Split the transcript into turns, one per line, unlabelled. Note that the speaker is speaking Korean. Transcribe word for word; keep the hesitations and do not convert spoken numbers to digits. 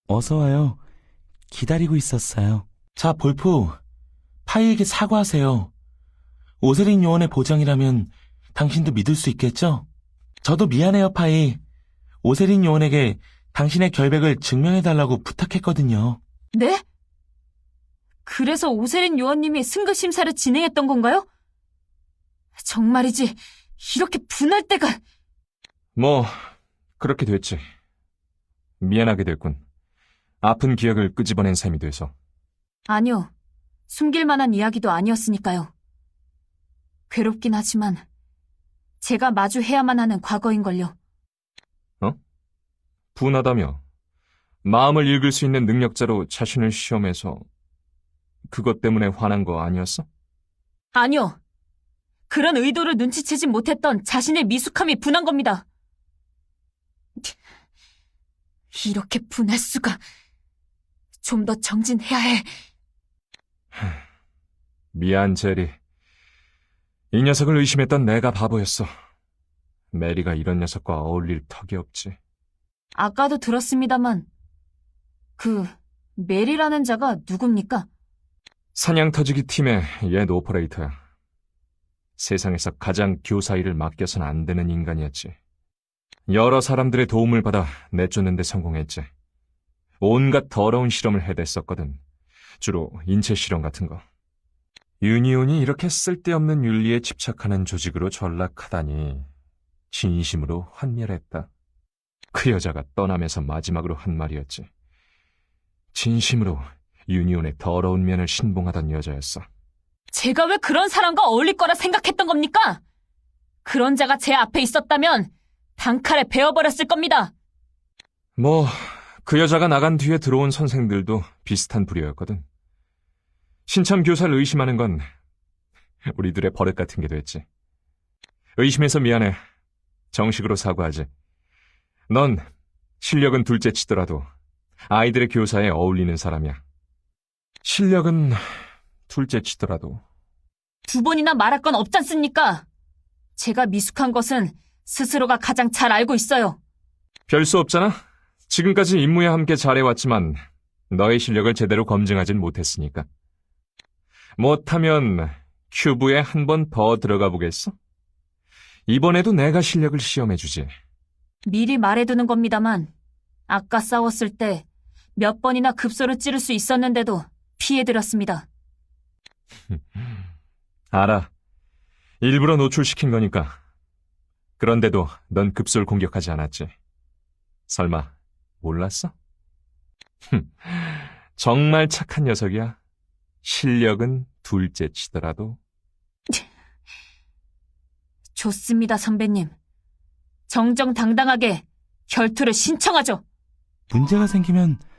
어서 와요. 기다리고 있었어요. 자, 볼프. 파이에게 사과하세요. 오세린 요원의 보장이라면 당신도 믿을 수 있겠죠? 저도 미안해요, 파이. 오세린 요원에게 당신의 결백을 증명해달라고 부탁했거든요.
네? 그래서 오세린 요원님이 승급 심사를 진행했던 건가요? 정말이지, 이렇게 분할 때가...
뭐 그렇게 됐지. 미안하게 됐군. 아픈 기억을 끄집어낸 셈이 돼서.
아니요, 숨길 만한 이야기도 아니었으니까요. 괴롭긴 하지만 제가 마주해야만 하는 과거인걸요.
어? 분하다며. 마음을 읽을 수 있는 능력자로 자신을 시험해서 그것 때문에 화난 거 아니었어?
아니요, 그런 의도를 눈치채지 못했던 자신의 미숙함이 분한 겁니다. 이렇게 분할 수가... 좀 더 정진해야 해.
미안, 제리. 이 녀석을 의심했던 내가 바보였어. 메리가 이런 녀석과 어울릴 턱이 없지.
아까도 들었습니다만 그 메리라는 자가 누굽니까?
사냥 터지기 팀의 옛 오퍼레이터야. 세상에서 가장 교사 일을 맡겨선 안 되는 인간이었지. 여러 사람들의 도움을 받아 내쫓는 데 성공했지. 온갖 더러운 실험을 해댔었거든. 주로 인체 실험 같은 거. 유니온이 이렇게 쓸데없는 윤리에 집착하는 조직으로 전락하다니 진심으로 환멸했다. 그 여자가 떠나면서 마지막으로 한 말이었지. 진심으로 유니온의 더러운 면을 신봉하던 여자였어.
제가 왜 그런 사람과 어울릴 거라 생각했던 겁니까? 그런 자가 제 앞에 있었다면 단칼에 베어버렸을 겁니다.
뭐 그 여자가 나간 뒤에 들어온 선생들도 비슷한 부류였거든. 신참 교사를 의심하는 건 우리들의 버릇 같은 게 됐지. 의심해서 미안해. 정식으로 사과하지. 넌 실력은 둘째 치더라도 아이들의 교사에 어울리는 사람이야. 실력은 둘째 치더라도.
두 번이나 말할 건 없지 않습니까? 제가 미숙한 것은 스스로가 가장 잘 알고 있어요.
별 수 없잖아. 지금까지 임무에 함께 잘해왔지만 너의 실력을 제대로 검증하진 못했으니까. 못하면 큐브에 한 번 더 들어가 보겠어? 이번에도 내가 실력을 시험해주지.
미리 말해두는 겁니다만 아까 싸웠을 때 몇 번이나 급소를 찌를 수 있었는데도 피해드렸습니다.
알아. 일부러 노출시킨 거니까. 그런데도 넌 급소를 공격하지 않았지. 설마 몰랐어? 정말 착한 녀석이야. 실력은 둘째 치더라도.
좋습니다, 선배님. 정정당당하게 결투를 신청하죠.
문제가 생기면